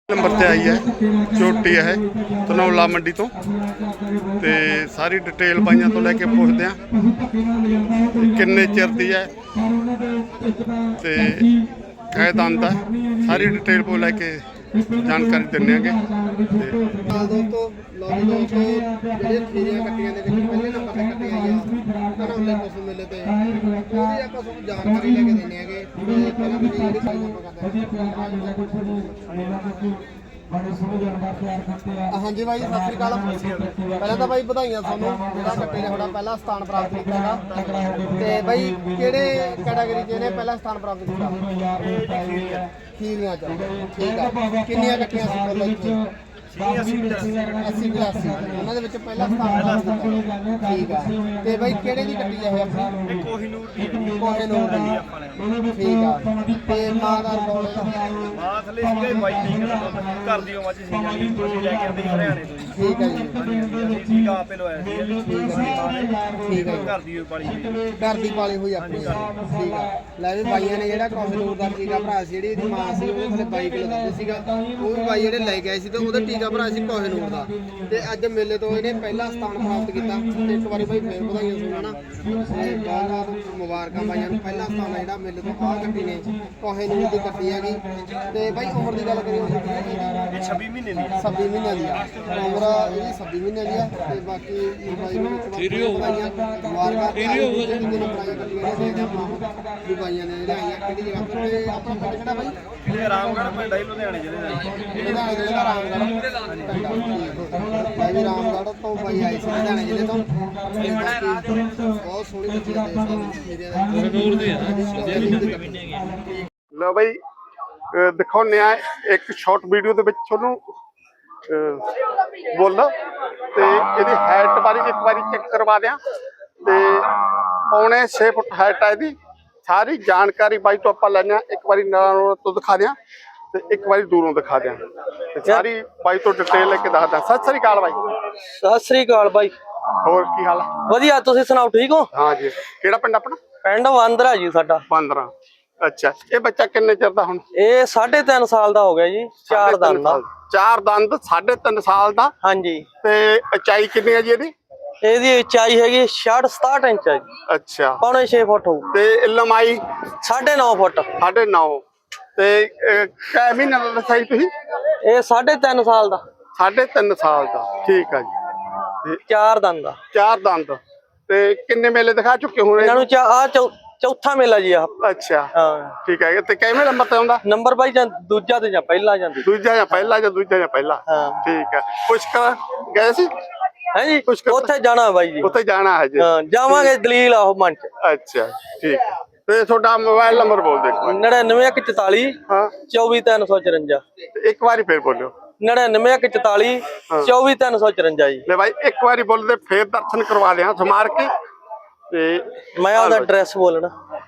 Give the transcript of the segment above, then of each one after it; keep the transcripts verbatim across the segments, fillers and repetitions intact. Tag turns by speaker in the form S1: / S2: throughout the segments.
S1: Number से आई है झोटी है धनौला मंडी तो ते सारी डिटेल बाइयां तो लैके पुछदे हैं किन्ने चिर दी है ते कै दंद है सारी डिटेल को लैके जानकारी दिंदे आंगे
S2: दोस्तों लॉबी दोस्तों ਜਿਹੜੇ ਖੀਰੀਆਂ ਕੱਟੀਆਂ ਦੇ ਵਿੱਚ ਪਹਿਲੇ ਨੰਬਰ ਤੇ ਕੱਟੀਆਂ ਆਈਆਂ ਧਨੌਲੇ ਪਸ਼ੂ ਮੇਲੇ ਤੇ ਉਹਦੀ ਆਪਾਂ ਤੁਹਾਨੂੰ ਜਾਣਕਾਰੀ ਲੈ ਕੇ ਦਿੰਦੇ ਆਂਗੇ ਤੇ ਪਹਿਲਾਂ ਤੁਸੀਂ ਜਿਹੜੀ ਸਾਈਜ਼ ਆਪਾਂ ਕਰਦੇ ਹਾਂ ਹਾਂਜੀ ਬਾਈ ਸਤਿ ਸ੍ਰੀ ਅਕਾਲ। ਪਹਿਲਾਂ ਤਾਂ ਬਾਈ ਵਧਾਈਆਂ ਤੁਹਾਨੂੰ ਜਿਹੜਾ ਕੱਟੇ ਨੇ ਤੁਹਾਡਾ ਪਹਿਲਾ ਸਥਾਨ ਪ੍ਰਾਪਤ ਕੀਤਾ ਹੈਗਾ ਤੇ ਬਾਈ ਕਿਹੜੇ ਕੈਟਾਗਰੀ 'ਚ ਇਹਨੇ ਪਹਿਲਾ ਸਥਾਨ ਪ੍ਰਾਪਤ ਕੀਤਾ? ਖੀਰੀਆਂ ਚ ਠੀਕ ਆ। ਕਿੰਨੀਆਂ ਕੱਟੀਆਂ ਸੀ ਪਹਿਲਾਂ ਇੱਥੇ? अस्सी पचासी ਉਹਨਾਂ ਦੇ ਵਿੱਚ ਪਹਿਲਾ ਸਥਾਨ ਠੀਕ ਆ। ਤੇ ਬਾਈ ਕਿਹੜੇ ਦੀ ਕੱਟੀ ਹੈ ਆਪਣੀ? ਕੋਹੀਨੂਰ ਦੀ ਕੋਹੀਨੂਰ ਦੀ ਠੀਕ ਆ। ਤੇ ਮਾਂ ਦਾ ਰਿਕਾਰਡ
S3: ਮਾਂ ਥੱਲੇ ਸੀਗਾ ਬਾਈ ਤਰੀਕ ਦਾ ਘਰ ਦੀ ਮੱਝ ਸੀ ਜਾਨੀ ਤੁਸੀਂ ਲੈ ਕੇ ਆਉਂਦੇ ਹਰਿਆਣੇ ਤੋਂ ਜੀ।
S2: ਠੀਕ ਆ ਜੀ।
S3: ਅਸੀਂ ਟੀਕਾ ਆਪੇ ਲਵਾਇਆ ਸੀ
S2: ਠੀਕ ਆ ਠੀਕ ਆ।
S3: ਘਰ ਦੀ ਪਾਲੀ ਹੋਈ
S2: ਘਰ ਦੀ ਪਾਲੀ ਹੋਈ ਆਪਣੀ ਠੀਕ ਆ। ਲੈ ਵੀ ਬਾਈਆਂ ਨੇ ਜਿਹੜਾ ਕੋਹੀਨੂਰ ਦਾ ਟੀਕਾ ਭਰਾ ਸੀ ਜਿਹੜੀ ਇਹਦੀ ਮਾਂ ਸੀ ਉਹਦੇ ਥੱਲੇ ਬਾਈ ਕਿਲੋ ਦੁੱਧ ਸੀਗਾ ਉਹ ਵੀ ਬਾਈ ਜਿਹੜੇ ਲੈ ਕੇ ਆਏ ਸੀ ਤੇ ਉਹਦਾ ਟੀਕਾ ਭਰਾ ਸੀ ਕੋਹੀਨੂਰ ਦਾ ਤੇ ਅੱਜ ਮੇਲੇ ਤੋਂ ਇਹਨੇ ਪਹਿਲਾ ਸਥਾਨ ਪ੍ਰਾਪਤ ਕੀਤਾ ਤੇ ਇੱਕ ਵਾਰੀ ਬਾਈ ਫੇਰ ਵਧਾਈਆਂ ਸੁਣਾਣਾ ਤੇ ਬਹੁਤ ਬਹੁਤ ਮੁਬਾਰਕਾਂ ਬਾਈਆਂ ਨੂੰ। ਪਹਿਲਾ ਸਥਾਨ ਆ ਜਿਹੜਾ ਮੇਲੇ ਤੋਂ ਆਹ ਗੱਡੀ ਨੇ ਕੋਹੀਨੂਰ ਦੀ ਗੱਡੀ ਹੈਗੀ ਤੇ ਬਾਈ ਉਮਰ ਦੀ ਗੱਲ ਕਰੀਏ
S3: ਇਹ ਛੱਬੀ ਮਹੀਨੇ ਦੀ
S2: ਛੱਬੀ ਮਹੀਨਿਆਂ ਦੀ ਆ ਉਮਰ ਇਹਦੀ ਛੱਬੀ ਮਹੀਨਿਆਂ ਦੀ ਆ ਤੇ ਬਾਕੀ ਬਾਈ ਨੂੰ ਵਧਾਈਆਂ ਮੁਬਾਰਕਾਂ ਜਿਹੜੇ ਨੰਬਰਾਂ ਗੱਡੀਆਂ ਨੇ ਦੇ ਆਪਾਂ ਵੀ ਬਾਈਆਂ ਨੇ ਜਿਹੜੇ ਆਈਆਂ ਕਿਹੜੀ ਜਗ੍ਹਾ ਤੋਂ ਤੇ ਆਪਣਾ ਪਿੰਡ ਕਿਹੜਾ ਬਾਈ?
S3: ਇਹ ਰਾਮਗੜ੍ਹ ਪਿੰਡ ਹੈ ਲੁਧਿਆਣੇ ਜ਼ਿਲ੍ਹੇ ਦਾ।
S2: ਇਹਦਾ ਜਿਹੜਾ ਰਾਮਗੜ੍ਹ ਭਾਈ ਰਾਮਗੜ੍ਹ ਤੋਂ ਬਾਈ ਆਏ ਸੀ ਲੁਧਿਆਣੇ ਜ਼ਿਲ੍ਹੇ ਤੋਂ ਬਹੁਤ ਸੋਹਣੀ ਬੱਚੀ ਆ ਕੋਹੀਨੂਰ ਦੀ
S1: लो भाई दिखाने एक शॉर्ट वीडियो ਦੇ ਵਿੱਚ ਤੁਹਾਨੂੰ ਬੋਲਦਾ ਤੇ ਇਹਦੀ ਹਾਈਟ ਬਾਰੇ ਇੱਕ ਵਾਰੀ ਚੈੱਕ ਕਰਵਾ ਦਿਆਂ ਤੇ ਪੌਣੇ छे ਫੁੱਟ ਹਾਈਟ ਹੈ ਇਹਦੀ। ਸਾਰੀ ਜਾਣਕਾਰੀ ਬਾਈ ਤੋਂ ਆਪਾਂ ਲੈਣਾ ਇੱਕ ਵਾਰੀ ਨਾਲ ਤੋਂ ਦਿਖਾ ਦਿਆਂ ਤੇ ਇੱਕ ਵਾਰੀ ਦੂਰੋਂ ਦਿਖਾ ਦਿਆਂ ਤੇ ਸਾਰੀ ਬਾਈ ਤੋਂ ਡਿਟੇਲ ਲੈ ਕੇ ਦੱਸਦਾ। ਸਤਿ ਸ੍ਰੀ ਅਕਾਲ ਬਾਈ।
S4: ਸਤਿ ਸ੍ਰੀ ਅਕਾਲ ਬਾਈ।
S1: ਹੋਰ ਕੀ ਹਾਲ?
S4: ਵਧੀਆ, ਤੁਸੀਂ ਸੁਣਾਓ ਠੀਕ ਹੋ?
S1: ਹਾਂ ਜੀ। ਕਿਹੜਾ ਪਿੰਡ ਆਪਣਾ?
S4: ਪਿੰਡ ਵਾਂਦਰਾ ਜੀ ਸਾਡਾ।
S1: ਪੰਦਰਾਂ। ਅੱਛਾ, ਇਹ ਬੱਚਾ ਕਿੰਨੇ ਚਿਰ ਦਾ ਹੁਣ?
S4: ਇਹ ਸਾਢੇ ਤਿੰਨ ਸਾਲ ਦਾ ਹੋ ਗਿਆ ਜੀ। ਚਾਰ ਦੰਦ ਦਾ।
S1: ਚਾਰ ਦੰਦ ਸਾਢੇ ਤਿੰਨ ਸਾਲ ਦਾ।
S4: ਹਾਂਜੀ।
S1: ਤੇ ਉਚਾਈ ਕਿੰਨੀ ਹੈ ਜੀ ਇਹਦੀ?
S4: ਇਹਦੀ ਉਚਾਈ ਹੈਗੀ ਛਿਆਹਠ ਸਤਾਹਠ ਇੰਚ ਹੈ ਜੀ।
S1: ਅੱਛਾ,
S4: ਪੌਣੇ ਛੇ ਫੁੱਟ ਹੋਊ।
S1: ਤੇ ਲੰਮਾਈ?
S4: ਸਾਢੇ ਨੌ ਫੁੱਟ।
S1: ਸਾਢੇ ਨੌ। ਤੇ ਕੈ ਮਹੀਨੇ ਦਾ ਦੱਸਿਆ ਜੀ ਤੁਸੀਂ?
S4: ਇਹ ਸਾਢੇ ਤਿੰਨ ਸਾਲ ਦਾ।
S1: ਸਾਢੇ ਤਿੰਨ ਸਾਲ ਦਾ ਠੀਕ ਆ ਜੀ।
S4: ਚਾਰ ਦੰਦ ਦਾ।
S1: ਚਾਰ ਦੰਦ। ਤੇ ਕਿੰਨੇ ਮੇਲੇ ਦਿਖਾ ਚੁੱਕੇ ਹੋ?
S4: ਇਹਨਾਂ ਨੂੰ ਆ ਚੌਥਾ ਮੇਲਾ ਜੀ ਆ।
S1: ਅੱਛਾ
S4: ਹਾਂ
S1: ਠੀਕ ਹੈ। ਤੇ ਕਿਵੇਂ ਨੰਬਰ ਤੇ ਆਉਂਦਾ?
S4: ਨੰਬਰ ਬਾਈ ਜਾਂ ਦੂਜਾ ਤੇ ਜਾਂ ਪਹਿਲਾ ਜਾਂਦੀ?
S1: ਦੂਜਾ ਜਾਂ ਪਹਿਲਾ ਜਾਂ ਦੂਜਾ ਜਾਂ ਪਹਿਲਾ।
S4: ਹਾਂ
S1: ਠੀਕ ਹੈ। ਪੁਸ਼ਕਰ ਗਏ ਸੀ?
S4: ਹੈ ਜੀ। ਉੱਥੇ ਜਾਣਾ ਬਾਈ ਜੀ।
S1: ਉੱਥੇ ਜਾਣਾ ਹੈ ਜੀ।
S4: ਹਾਂ ਜਾਵਾਂਗੇ ਦਲੀਲ ਆਹੋ ਮਨ ਚ।
S1: ਅੱਛਾ ਠੀਕ ਹੈ। ਤੇ ਤੁਹਾਡਾ ਮੋਬਾਈਲ ਨੰਬਰ ਬੋਲ ਦੇਖੋ।
S4: ਨੜਿਨਵੇਂ ਇੱਕ ਚੁਤਾਲੀ
S1: ਹਾਂ
S4: ਚੌਵੀ ਤਿੰਨ ਸੌ ਚੁਰੰਜਾ।
S1: ਇੱਕ ਵਾਰੀ ਫੇਰ ਬੋਲਿਓ।
S4: ਨੜਿਨਵੇਂ ਇੱਕ ਚੁਤਾਲੀ ਚੌਵੀ ਤਿੰਨ ਸੌ ਚੁਰੰਜਾ ਜੀ।
S1: ਲੈ ਭਾਈ ਇੱਕ ਵਾਰੀ ਬੋਲਦੇ ਫੇਰ ਦਰਸ਼ਨ ਕਰਵਾ ਲਿਆ ਸਮਾਰ ਕੇ ਤੇ
S4: ਮੈਂ ਉਹਦਾ ਐਡਰੈਸ ਬੋਲਣਾ।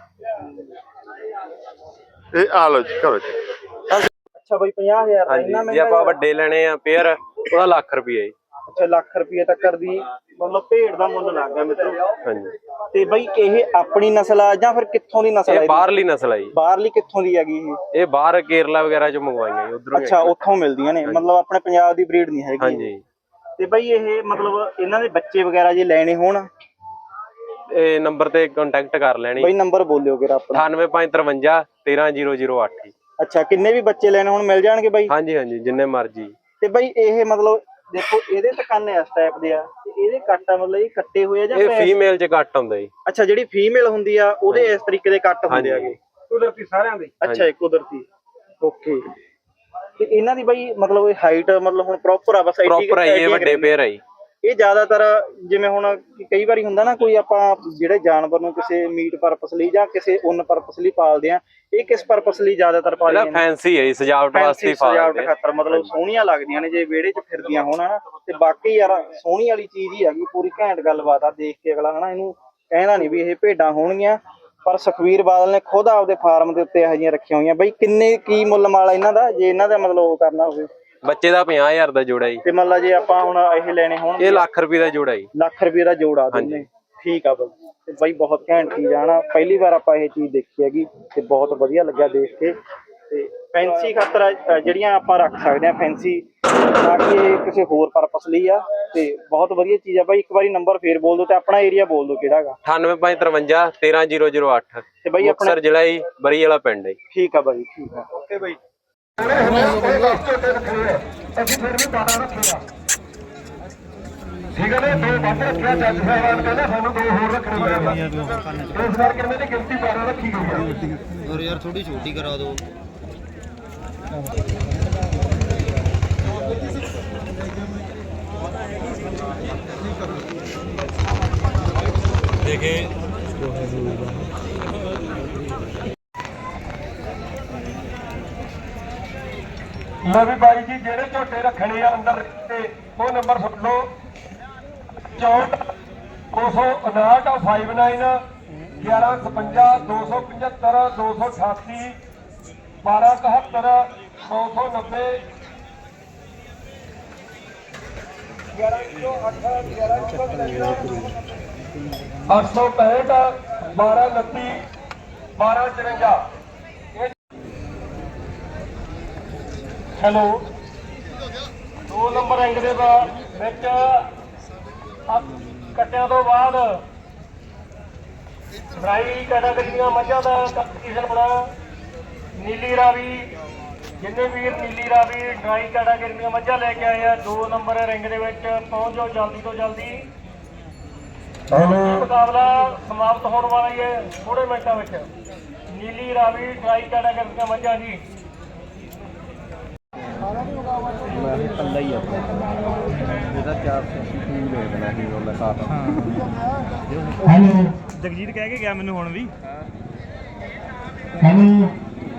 S1: ਇਹ ਆ ਲੋ ਜੀ ਕਰੋ ਜੀ।
S2: ਅੱਛਾ ਬਾਈ ਪੰਜਾਹ ਹਜ਼ਾਰ ਦਾ ਇੰਨਾ
S5: ਹਾਂਜੀ ਜੇ ਆਪਾਂ ਵੱਡੇ ਲੈਣੇ ਆ ਪੇਅਰ ਉਹਦਾ ਲੱਖ ਰੁਪਏ ਜੀ।
S2: ਅੱਛਾ ਲੱਖ ਰੁਪਏ ਤੱਕ ਦੀ ਮਤਲਬ ਭੇਡ ਦਾ ਮੁੱਲ ਲੱਗ ਗਿਆ ਮਿੱਤਰੋ।
S5: ਹਾਂਜੀ।
S2: ਤੇ ਬਾਈ ਇਹ ਆਪਣੀ ਨਸਲ ਆ ਜਾਂ ਫਿਰ ਕਿੱਥੋਂ ਦੀ ਨਸਲ ਆ?
S5: ਇਹ ਬਾਹਰਲੀ ਨਸਲ ਆ ਜੀ।
S2: ਬਾਹਰਲੀ ਕਿੱਥੋਂ ਦੀ ਹੈਗੀ ਇਹ?
S5: ਇਹ ਬਾਹਰ ਕੇਰਲਾ ਵਗੈਰਾ ਚੋਂ ਮੰਗਵਾਈਆਂ ਜੀ ਉਧਰੋਂ।
S2: ਅੱਛਾ ਉੱਥੋਂ ਮਿਲਦੀਆਂ ਨੇ ਮਤਲਬ ਆਪਣੇ ਪੰਜਾਬ ਦੀ ਬਰੀਡ ਨਹੀਂ ਹੈਗੀ।
S5: ਹਾਂਜੀ।
S2: ਤੇ ਬਾਈ ਇਹ ਮਤਲਬ ਇਹਨਾਂ ਦੇ ਬੱਚੇ ਵਗੈਰਾ ਜੇ ਲੈਣੇ ਹੋਣ
S5: ਇਹ ਨੰਬਰ ਤੇ ਕੰਟੈਕਟ ਕਰ ਲੈਣੀ।
S2: ਬਾਈ ਨੰਬਰ ਬੋਲਿਓ ਕਿਰਾ ਆਪਣਾ।
S5: ਅਠਾਨਵੇਂ ਪੰਜ ਤਰਵੰਜਾ ਤੇਰਾਂ ਜ਼ੀਰੋ ਜ਼ੀਰੋ ਅੱਠ ਜੀ।
S2: ਅੱਛਾ ਕਿੰਨੇ ਵੀ ਬੱਚੇ ਲੈਣੇ ਹੁਣ ਮਿਲ ਜਾਣਗੇ ਬਾਈ?
S5: ਹਾਂਜੀ ਹਾਂਜੀ ਜਿੰਨੇ ਮਰਜੀ।
S2: ਤੇ ਬਾਈ ਇਹ ਮਤਲਬ ਦੇਖੋ ਇਹਦੇ ਤਾਂ ਕੰਨ ਇਸ ਟਾਈਪ ਦੇ ਆ ਤੇ ਇਹਦੇ ਕੱਟ ਆ ਮਤਲਬ ਇਹ ਕੱਟੇ ਹੋਏ ਆ ਜਾਂ
S5: ਇਹ ਫੀਮੇਲ ਚ ਕੱਟ ਹੁੰਦਾ ਜੀ।
S2: ਅੱਛਾ ਜਿਹੜੀ ਫੀਮੇਲ ਹੁੰਦੀ ਆ ਉਹਦੇ ਇਸ ਤਰੀਕੇ ਦੇ ਕੱਟ ਹੁੰਦੇ ਆਗੇ
S3: ਕੁਦਰਤੀ ਸਾਰਿਆਂ ਦੇ।
S2: ਅੱਛਾ ਇਹ ਕੁਦਰਤੀ ਓਕੇ। ਤੇ ਇਹਨਾਂ ਦੀ ਬਾਈ ਮਤਲਬ ਇਹ ਹਾਈਟ ਮਤਲਬ ਹੁਣ ਪ੍ਰੋਪਰ ਆ ਬਸ
S5: ਪ੍ਰੋਪਰ ਹੈ ਇਹ ਵੱਡੇ ਪੇਅਰ ਹੈ ਜੀ।
S2: ਇਹ ਜ਼ਿਆਦਾਤਰ ਜਿਵੇਂ ਹੁਣ ਕਈ ਵਾਰੀ ਹੁੰਦਾ ਨਾ ਕੋਈ ਆਪਾਂ ਜਿਹੜੇ ਜਾਨਵਰ ਨੂੰ ਕਿਸੇ ਮੀਟ ਪਰਪਸ ਲਈ ਜਾਂ ਕਿਸੇ ਉੱਨ ਪਰਪਸ ਲਈ ਪਾਲਦੇ ਆ ਇਹ ਕਿਸ ਪਰਪਸ ਲਈ ਜ਼ਿਆਦਾਤਰ ਪਾਲਦੇ
S5: ਇਹਦਾ ਫੈਂਸੀ ਹੈ ਜੀ ਸਜਾਵਟ ਵਾਸਤੇ
S2: ਸਜਾਵਟ ਖਾਤਰ ਮਤਲਬ ਸੋਹਣੀਆਂ ਲੱਗਦੀਆਂ ਨੇ ਜੇ ਵਿਹੜੇ 'ਚ ਫਿਰਦੀਆਂ ਹੋਣ ਹਨਾ। ਤੇ ਬਾਕੀ ਯਾਰ ਸੋਹਣੀ ਵਾਲੀ ਚੀਜ਼ ਹੀ ਹੈਗੀ ਪੂਰੀ ਘੈਂਟ ਗੱਲਬਾਤ ਆ ਦੇਖ ਕੇ ਅਗਲਾ ਹਨਾ ਇਹਨੂੰ ਕਹਿੰਦਾ ਨਹੀਂ ਵੀ ਇਹ ਭੇਡਾਂ ਹੋਣਗੀਆਂ। ਪਰ ਸੁਖਵੀਰ ਬਾਦਲ ਨੇ ਖੁਦ ਆਪਦੇ ਫਾਰਮ ਦੇ ਉੱਤੇ ਇਹੋ ਜਿਹੀਆਂ ਰੱਖੀਆਂ ਹੋਈਆਂ। ਬਾਈ ਕਿੰਨੇ ਕੀ ਮੁੱਲ ਮਾਲ ਇਹਨਾਂ ਦਾ ਜੇ ਇਹਨਾਂ ਦਾ ਮਤਲਬ ਉਹ ਕਰਨਾ ਹੋਵੇ?
S5: ਬੱਚੇ ਦਾ ਪੰਜਾਹ ਹਜ਼ਾਰ ਦਾ ਜੋੜਾ ਜੀ।
S2: ਤੇ ਮੰਨ ਲਾ ਜੇ ਆਪਾਂ ਹੁਣ ਇਹ ਲੈਣੇ ਹੋਣ
S5: ਇਹ ਲੱਖ ਰੁਪਏ ਦਾ ਜੋੜਾ ਜੀ।
S2: ਲੱਖ ਰੁਪਏ ਦਾ ਜੋੜਾ ਦੋਨੇ ਠੀਕ ਆ ਬਾਈ। ਤੇ ਬਾਈ ਬਹੁਤ ਘੈਂਟ ਚੀਜ਼ ਆ ਨਾ ਪਹਿਲੀ ਵਾਰ ਆਪਾਂ ਇਹ ਚੀਜ਼ ਦੇਖੀ ਹੈਗੀ ਤੇ ਬਹੁਤ ਵਧੀਆ ਲੱਗਿਆ ਦੇਖ ਕੇ। ਤੇ
S3: ਫੈਂਸੀ ਖਾਤਰ ਅ, ਜਿਹੜੀਆਂ ਆਪਾਂ ਰੱਖ ਸਕਦੇ ਆ ਫੈਂਸੀ, ਤਾਂ ਕਿ ਇਹ ਕਿਸੇ ਹੋਰ ਪਰਪਸ ਲਈ ਆ ਤੇ ਬਹੁਤ ਵਧੀਆ ਚੀਜ਼ ਆ ਬਾਈ। ਇੱਕ ਵਾਰੀ ਨੰਬਰ ਫੇਰ ਬੋਲ ਦਿਓ ਤੇ ਆਪਣਾ ਏਰੀਆ ਬੋਲ ਦਿਓ ਕਿਹੜਾ ਹੈਗਾ।
S5: ਅਠਾਨਵੇਂ ਪੰਜ ਤਰਵੰਜਾ ਤੇਰਾਂ ਜ਼ੀਰੋ ਜ਼ੀਰੋ ਅੱਠ
S3: ਤੇ ਬਾਈ ਆਪਣਾ
S5: ਮੁਕਤਸਰ ਜ਼ਿਲ੍ਹਾ ਜੀ, ਬਰੀ ਵਾਲਾ ਪਿੰਡ ਹੈ ਜੀ।
S3: ਠੀਕ ਆ ਬਾਈ, ਠੀਕ ਆ, ਓਕੇ ਬਾਈ।
S6: ਠੀਕ ਹੈ ਨੇ ਦੋ ਵੱਧ ਰੱਖਿਆ ਜੱਜ ਸਾਹਿਬਾਨ ਕਹਿੰਦੇ ਸਾਨੂੰ ਦੋ ਹੋਰ ਰੱਖਣੇ ਪੈਣਗੇ ਇਸ ਕਰਕੇ ਇਹਨਾਂ ਦੀ ਗਿਣਤੀ ਬਾਰਾਂ ਰੱਖੀ ਗਈ ਹੈ।
S2: ਔਰ ਯਾਰ ਥੋੜੀ ਛੋਟੀ ਕਰਾ ਦਿਓ।
S6: ਲੈ ਵੀ ਬਾਈ ਜੀ ਜਿਹੜੇ ਝੋਟੇ ਰੱਖਣੇ ਆ ਅੰਦਰ ਤੇ ਉਹ ਨੰਬਰ ਸੁਣ ਲਓ ਚੌਂਹਠ ਦੋ ਸੌ ਉਨਾਹਠ ਉਣਾਨਵੇਂ ਗਿਆਰਾਂ ਛਪੰਜਾ ਦੋ ਸੌ ਪਝੱਤਰ ਦੋ ਸੌ ਅਠਾਸੀ ਬਾਰਾਂ ਇਕਹੱਤਰ ਨੌ ਸੌ ਨੱਬੇ ਗਿਆਰਾਂ ਸੌ ਅੱਠ ਗਿਆਰਾਂ ਸੌ ਅੱਠ ਸੌ ਪੈਂਹਠ ਬਾਰਾਂ ਉਨੱਤੀ ਬਾਰਾਂ ਚੁਰੰਜਾ। ਹੈਲੋ ਦੋ ਨੰਬਰ ਅੰਕ ਦੇ ਬਾ- ਵਿੱਚ ਆ ਕੱਟਿਆਂ ਤੋਂ ਬਾਅਦ ਫਰਾਈ ਕੈਟਾਗਰੀਆਂ ਮੱਝਾਂ ਦਾ ਕੰਪੀਟੀਸ਼ਨ ਬਣਾ। ਨੀਲੀ ਰਾਵੀ ਜਿੰਨੇ ਵੀਰ ਨੀਲੀ ਰਾਵੀ ਡਰਾਈ ਕੈਟਾਗਰੀ ਦੀਆਂ ਮੱਝਾਂ ਲੈ ਕੇ ਆਏ ਆ ਦੋ ਨੰਬਰ ਰਿੰਗ ਦੇ ਵਿੱਚ ਪਹੁੰਚ ਜਾਓ ਜਲਦੀ ਤੋਂ ਜਲਦੀ। ਹੈਲੋ ਮੁਕਾਬਲਾ ਸਮਾਪਤ ਹੋਣ ਵਾਲਾ ਹੀ ਹੈ ਥੋੜੇ ਮਿੰਟਾਂ ਵਿੱਚ। ਨੀਲੀ ਰਾਵੀ ਡਰਾਈ ਕੈਟਾਗਰੀ ਦੀਆਂ ਮੱਝਾਂ ਜੀ।
S3: ਹੈਲੋ ਜਗਜੀਤ ਕਹਿ ਕੇ ਗਿਆ ਮੈਨੂੰ ਹੁਣ ਵੀ।
S6: ਹੈਲੋ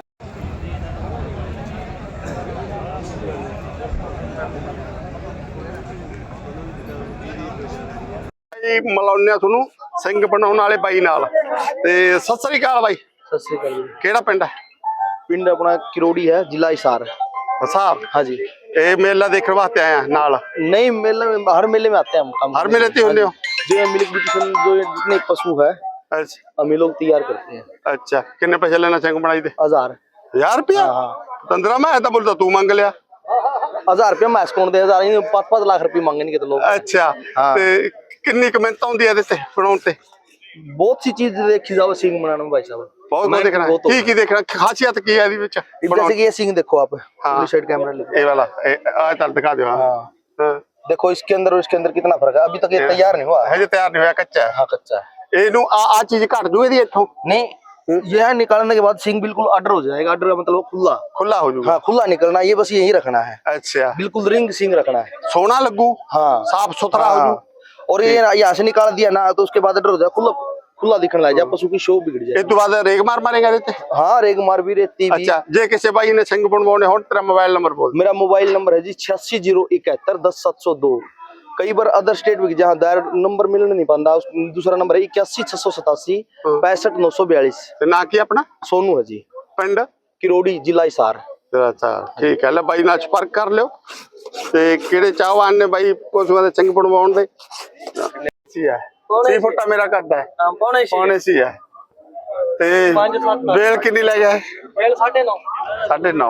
S1: ਜੀ ਮਿਲਾਉਂਦੇ ਆ ਤੁਹਾਨੂੰ ਸਿੰਘ ਬਣਾਉਣ ਵਾਲੇ ਬਾਈ ਨਾਲ। ਤੇ ਸਤਿ ਸ੍ਰੀ ਅਕਾਲ ਬਾਈ।
S2: ਸਤਿ ਸ੍ਰੀ ਅਕਾਲ ਜੀ।
S1: ਕਿਹੜਾ ਪਿੰਡ ਹੈ?
S2: ਪਿੰਡ ਆਪਣਾ ਕਿਰੋੜੀ ਹੈ, ਜ਼ਿਲ੍ਹਾ ਹਿਸਾਰ।
S1: ਹਿਸਾਰ।
S2: हाँ जी।
S1: ਇਹ ਮੇਲਾ ਦੇਖਣ ਵਾਸਤੇ ਆਇਆ ਨਾਲ?
S2: नहीं मेले में हर मेले में आते हैं हम काम
S1: हर मेले ते होंगे हो?
S2: जो मिल्क ब्यूटिशियन जो जितने पशु है
S1: अच्छा
S2: हम ये लोग तैयार करते हैं।
S1: अच्छा किन्ने पैसे लेना ਸਿੰਘ ਬਣਾਈ ਦੇ?
S2: हजार
S1: हजार रुपया? पंद्रह मैं तो बोलता तू मांग लिया।
S2: हजार रुपया मैं कौन दे हजार ही पाँच पाँच लाख रुपये मांगेंगे तो लोग।
S1: अच्छा
S2: हाँ।
S1: ਤੇ ਕਿੰਨੀ ਕਮੈਂਟ ਆਉਂਦੀ ਹੈ ਇਹਦੇ ਤੇ ਬਣਾਉਣ ਤੇ?
S2: बहुत सी चीज देखी जाओ सिंह बनाने में भाई साहब।
S1: ਬਹੁਤ
S2: मैं
S1: ਕੁਝ ਦੇਖਣਾ
S2: बहुत
S1: ਕੀ ਕੀ ਦੇਖਣਾ ਖਾਸੀਅਤ ਕੀ ਹੈ ਇਹਦੀ ਵਿੱਚ
S2: जैसे कि ये सिंह देखो आप
S1: हाँ।
S2: साइड कैमरा लेके
S1: ਇਹ ਵਾਲਾ ਆ ਚੱਲ ਦਿਖਾ ਦਿਓ। ਹਾਂ
S2: हाँ
S1: ਹਾਂ
S2: देखो इसके अंदर और इसके अंदर कितना फर्क है। अभी तक ये तैयार नहीं हुआ है।
S1: ਹਜੇ ਤਿਆਰ ਨਹੀਂ ਹੋਇਆ ਕੱਚਾ ਹੈ।
S2: हाँ कच्चा है।
S1: ਇਹਨੂੰ ਆ ਆ ਚੀਜ਼ ਘਟ ਜੂ ਇਹਦੀ ਇੱਥੋਂ?
S2: नहीं यह निकालने के बाद सिंह बिल्कुल अडर हो जाएगा। अडर मतलब खुला।
S1: ਖੁੱਲਾ ਹੋ ਜੂਗਾ।
S2: हाँ खुला निकलना ये बस यही रखना है।
S1: अच्छा
S2: बिल्कुल रिंग सिंह रखना है।
S1: सोना लगू।
S2: हाँ
S1: साफ सुथरा हो
S2: हाँ।
S1: जू।
S2: और ये यहाँ से निकाल दिया ना तो उसके बाद अडर हो जाए खुला खुला दिखने लग जाए पशु की शो बिगड़ जाए।
S1: ਇਹ ਤੋਂ ਬਾਅਦ ਰੇਗ ਮਾਰ ਮਾਰੇਗਾ ਇਹਦੇ ਤੇ?
S2: हाँ रेग मार भी रहती भी।
S1: ਅੱਛਾ ਜੇ ਕਿਸੇ ਬਾਈ ਨੇ ਸਿੰਘ ਬਣਵਾਉਣੇ ਹੋਣ ਤੇਰਾ ਮੋਬਾਈਲ ਨੰਬਰ ਬੋਲ।
S2: मेरा मोबाइल नंबर है जी छियासी जीरो इकहत्तर दस सात सौ दो। कई बार अदर स्टेट में जहाँ दायर नंबर मिलने नहीं पाता। दूसरा नंबर है इक्यासी छह सौ सतासी पैंसठ नौ सौ बयालीस।
S1: ਤੇ ਨਾਂ ਕੀ ਆਪਣਾ?
S2: सोनू है जी।
S1: ਪਿੰਡ?
S2: किरोड़ी जिला हिसार।
S1: ਅੱਛਾ ਠੀਕ ਹੈ ਲੈ ਬਾਈ ਨਾਲ ਸੰਪਰਕ ਕਰ ਲਿਓ। ਤੇ ਕਿਹੜੇ ਚਾਹਵਾਨ ਨੇ ਬਾਈ ਪਸ਼ੂਆਂ ਦੇ ਸਿੰਘ ਬਣਵਾਉਣ ਦੇ? ਸੀ ਹੈ ਛੇ ਫੁੱਟਾ ਮੇਰਾ ਕਰਦਾ ਹੈ
S4: ਪੌਣੇ ਛੇ
S1: ਪੌਣੇ ਸੀ ਹੈ। ਤੇ
S4: ਪੰਜ ਸੱਤ
S1: ਬੇਲ ਕਿੰਨੀ ਲੈ ਗਿਆ?
S4: ਬੇਲ ਸਾਢੇ ਨੌ
S1: ਸਾਢੇ ਨੌ।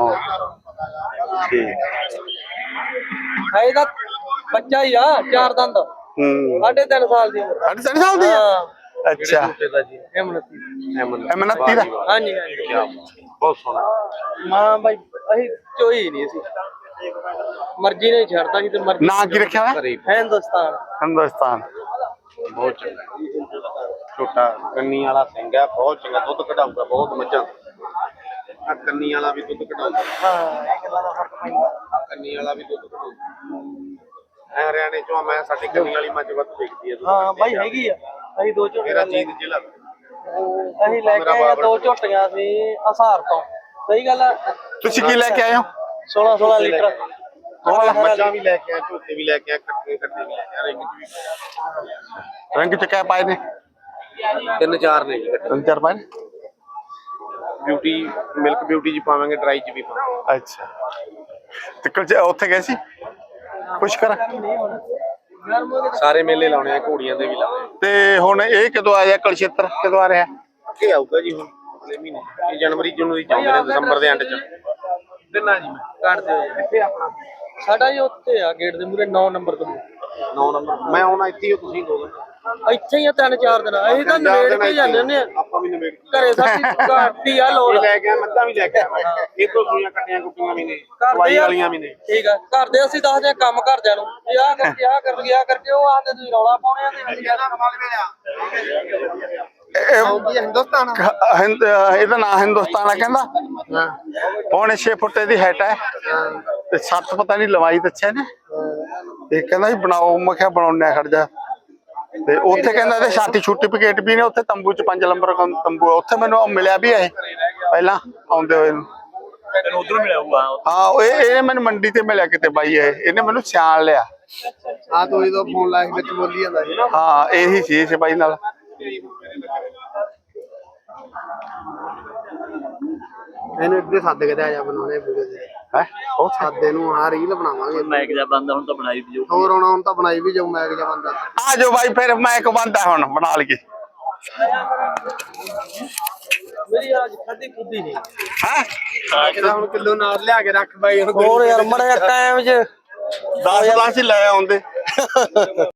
S1: ਠੀਕ
S4: ਹੈ ਇਹਦਾ ਬੱਚਾ ਹੀ ਆ ਚਾਰ ਦੰਦ
S1: ਹੂੰ
S4: ਸਾਢੇ ਤਿੰਨ ਸਾਲ ਦੀ ਉਮਰ।
S1: ਸਾਢੇ ਤਿੰਨ ਸਾਲ ਦੀ ਹੈ?
S4: ਹਾਂ
S1: ਅੱਛਾ
S4: ਹਿੰਮਤੀ
S1: ਅਮਨਤੀ ਦਾ
S4: ਹਾਂਜੀ ਹਾਂਜੀ
S1: ਬਹੁਤ ਸੋਹਣਾ।
S4: ਮਾਂ ਬਾਈ ਅਸੀਂ ਚੋਈ ਨਹੀਂ ਸੀ ਮਰਜ਼ੀ ਨਹੀਂ ਛੱਡਦਾ ਕਿ ਤੇ ਮਰਜ਼ੀ।
S1: ਨਾਂ ਕੀ ਰੱਖਿਆ ਹੋਇਆ?
S4: ਹਿੰਦੁਸਤਾਨ
S1: ਹਿੰਦੁਸਤਾਨ।
S7: ਬਹੁਤ ਚੰਗਾ ਛੋਟਾ ਕੰਨੀ ਵਾਲਾ ਸਿੰਘ ਹੈ, ਬਹੁਤ ਚੰਗਾ ਦੁੱਧ ਕਢਾਊਗਾ ਬਹੁਤ ਮੱਝਾਂ। ਆ ਕੰਨੀ ਵਾਲਾ ਵੀ ਦੁੱਧ ਕਢਾਊਗਾ।
S4: ਹਾਂ ਇਹ ਗੱਲਾਂ ਦਾ ਫਰਕ ਪੈਂਦਾ।
S7: ਆ ਕੰਨੀ ਵਾਲਾ ਵੀ ਦੁੱਧ ਕਢਾਊਗਾ। ਐ ਹਰਿਆਣੇ ਚੋਂ ਆ, ਮੈਂ ਸਾਡੀ ਕੰਨੀ ਵਾਲੀ ਮੱਝ ਵੱਧ ਵੇਚਦੀ ਹੈ ਦੁੱਧ।
S4: ਹਾਂ ਬਾਈ ਹੈਗੀ ਆ ਅਸੀਂ ਦੋ
S7: ਮੇਰਾ
S4: ਝੋਟੀਆਂ
S7: ਜੀਤ ਜ਼ਿਲ੍ਹਾ
S4: ਅਸੀਂ ਲੈ ਕੇ ਆਏ ਆ ਦੋ ਝੋਟੀਆਂ ਸੀ ਹਸਾਰ ਤੋਂ। ਸਹੀ ਗੱਲ ਆ।
S1: ਤੁਸੀਂ ਕੀ ਲੈ ਕੇ ਆਏ ਹੋ?
S4: ਸੋਲਾਂ ਸੋਲਾਂ ਲੀਟਰ
S7: ਮੱਝਾਂ ਵੀ ਲੈ ਕੇ ਆ, ਝੋਟੇ ਵੀ ਲੈ ਕੇ ਆ, ਕੱਟੇ ਕੱਟੇ ਵੀ ਲੈ ਕੇ ਆ, ਰਿੰਗ ਚ ਵੀ
S1: ਰੰਗ ਚ ਕਿਆ ਪਾਏ ਨੇ?
S7: ਤਿੰਨ ਚਾਰ ਨੇ ਜੀ।
S1: ਤਿੰਨ ਚਾਰ ਪਾਏ ਨੇ।
S7: ਬਿਊਟੀ ਮਿਲਕ ਬਿਊਟੀ ਚ ਪਾਵਾਂਗੇ, ਡਰਾਈ ਚ ਵੀ ਪਾਵਾਂਗੇ।
S1: ਅੱਛਾ ਤੇ ਕੱਲ ਉੱਥੇ ਗਏ ਸੀ ਪੁਸ਼ਕਰ?
S7: ਸਾਰੇ ਮੇਲੇ ਲਾਉਣੇ ਆ, ਘੋੜੀਆਂ ਦੇ ਵੀ ਲਾਉਣੇ
S1: ਤੇ ਹੁਣ ਇਹ ਕਦੋਂ ਆਇਆ ਕਲਛੇਤਰ ਕਦੋਂ ਆ ਰਿਹਾ?
S7: ਅੱਗੇ ਆਊਗਾ ਜੀ ਹੁਣ ਅਗਲੇ ਮਹੀਨੇ। ਇਹ ਜਨਵਰੀ ਜਨਵਰੀ ਚ ਆਉਂਦੇ ਨੇ, ਦਸੰਬਰ ਦੇ ਐਂਡ ਚ। ਦਿਨਾ ਜੀ ਮੈਂ
S4: ਕੱਢ ਦਿਓ ਜੀ।
S7: ਕਿੱਥੇ ਆਪਣਾ
S4: ਸਾਡਾ ਜੀ ਉੱਥੇ ਆ ਗੇਟ ਦੇ ਮੂਰੇ ਨੌ ਨੰਬਰ ਤੋਂ
S7: ਨੌ ਨੰਬਰ ਮੈਂ ਆਉਣਾ ਇੱਥੇ ਹੀ ਹੋ, ਤੁਸੀਂ ਦੋ ਦਿਨ
S4: ਇੱਥੇ ਹੀ ਆ ਤਿੰਨ ਚਾਰ ਦਿਨ ਅਸੀਂ ਤਾਂ ਨਵੇੜ ਕੇ ਜਾਂਦੇ ਹੁੰਦੇ ਆ
S7: ਆਪਾਂ ਵੀ ਨਵੇੜ
S4: ਘਰੇ ਸਾਡੀ ਘਾਟੀ ਆ ਲੋੜ
S7: ਲੈ ਕੇ ਆ ਮੱਝਾਂ ਵੀ ਲੈ ਕੇ ਆ ਮੈਂ ਇਹ ਤੋਂ ਸੂਈਆਂ ਕੱਟੀਆਂ ਕੁੱਟੀਆਂ ਵੀ ਨੇ
S4: ਕਰਦੇ
S7: ਦਵਾਈ
S4: ਆ
S7: ਵਾਲੀਆਂ ਵੀ ਨੇ
S4: ਠੀਕ ਆ ਕਰਦੇ ਅਸੀਂ ਦੱਸਦੇ ਆ ਕੰਮ ਘਰਦਿਆਂ ਨੂੰ ਇਹ ਆ ਕਰਕੇ ਆ ਕਰਕੇ ਆ ਕਰਕੇ ਉਹ ਆਂਦੇ ਤੁਸੀਂ ਰੌਲਾ ਪਾਉਣੇ ਆ ਤੇ ਅਸੀਂ
S1: ਇਹ
S2: ਹਿੰਦੁਸਤਾਨ
S1: ਹਿੰਦ ਇਹਦਾ ਨਾਂ ਹਿੰਦੁਸਤਾਨ ਆ ਕਹਿੰਦਾ ਪੌਣੇ ਛੇ ਫੁੱਟ ਦੀ ਹੈਟ ਹੈ ਤੇ ਸੱਤ ਪਤਾ ਨਹੀਂ ਲਵਾਈ ਦੱਸਿਆ ਨੇ ਤੇ ਕਹਿੰਦਾ ਜੀ ਬਣਾਓ ਮੈਂ ਕਿਹਾ ਬਣਾਉਣੇ ਖੜ ਜਾ ਤੇ ਉੱਥੇ ਕਹਿੰਦਾ ਇਹਦੇ ਛਾਤੀ ਸਰਟੀਫਿਕੇਟ ਵੀ ਨੇ ਉੱਥੇ ਤੰਬੂ ਚ ਪੰਜ ਨੰਬਰ ਤੰਬੂ ਆ ਉੱਥੇ ਮੈਨੂੰ ਉਹ ਮਿਲਿਆ ਵੀ ਇਹ ਪਹਿਲਾਂ ਆਉਂਦੇ ਹੋਏ ਨੂੰ
S6: ਤੈਨੂੰ ਉਧਰ ਮਿਲਿਆ ਹੋਊਗਾ
S1: ਹਾਂ ਉਹ ਇਹ ਇਹਨੇ ਮੈਨੂੰ ਮੰਡੀ ਤੇ ਮਿਲਿਆ ਕਿਤੇ ਬਾਈ ਇਹ ਇਹਨੇ ਮੈਨੂੰ ਸਿਆਣ ਲਿਆ
S2: ਆ ਤੋਂ ਜਦੋਂ ਫੋਨ ਲਾਇਆ ਵਿੱਚ ਬੋਲੀ ਜਾਂਦਾ ਸੀ ਨਾ
S1: ਹਾਂ ਇਹੀ ਸੀ ਇਸ ਬਾਈ ਨਾਲ
S2: ਇਹਨੂੰ ਇੱਥੇ ਸੱਦ ਕੇ ਤੇ ਆ ਜਾ ਬਣਾਉਣੇ ਵੀਡੀਓ ਦੇ
S1: ਹੈ ਉਹ
S2: ਸਾਦੇ ਨੂੰ ਆ ਰੀਲ ਬਣਾਵਾਂਗੇ
S6: ਮੈਕ ਜਾ ਬੰਦਾ ਹੁਣ ਤਾਂ ਬਣਾਈ ਵੀ
S2: ਹੋਰ ਹੁਣ ਹੁਣ ਤਾਂ ਬਣਾਈ ਵੀ ਜਾਊ ਮੈਗ ਜਿਹਾ ਬੰਦਾ
S1: ਆ ਜਾਓ ਬਾਈ ਫਿਰ ਮੈਂ ਇੱਕ ਬੰਦਾ ਹੁਣ ਬਣਾ ਲਈਏ
S4: ਮੇਰੀ ਅੱਜ ਖਾਦੀ ਖੁੱਦੀ ਨਹੀਂ
S1: ਹੈ
S2: ਹੁਣ ਕਿਲੋ ਨਾਲ ਲਿਆ ਕੇ ਰੱਖ ਬਾਈ
S4: ਹੋਰ ਯਾਰ ਮੜਾ ਟਾਈਮ 'ਚ
S1: ਦਸ ਦਸ ਹੀ ਲੈ ਆਉਂਦੇ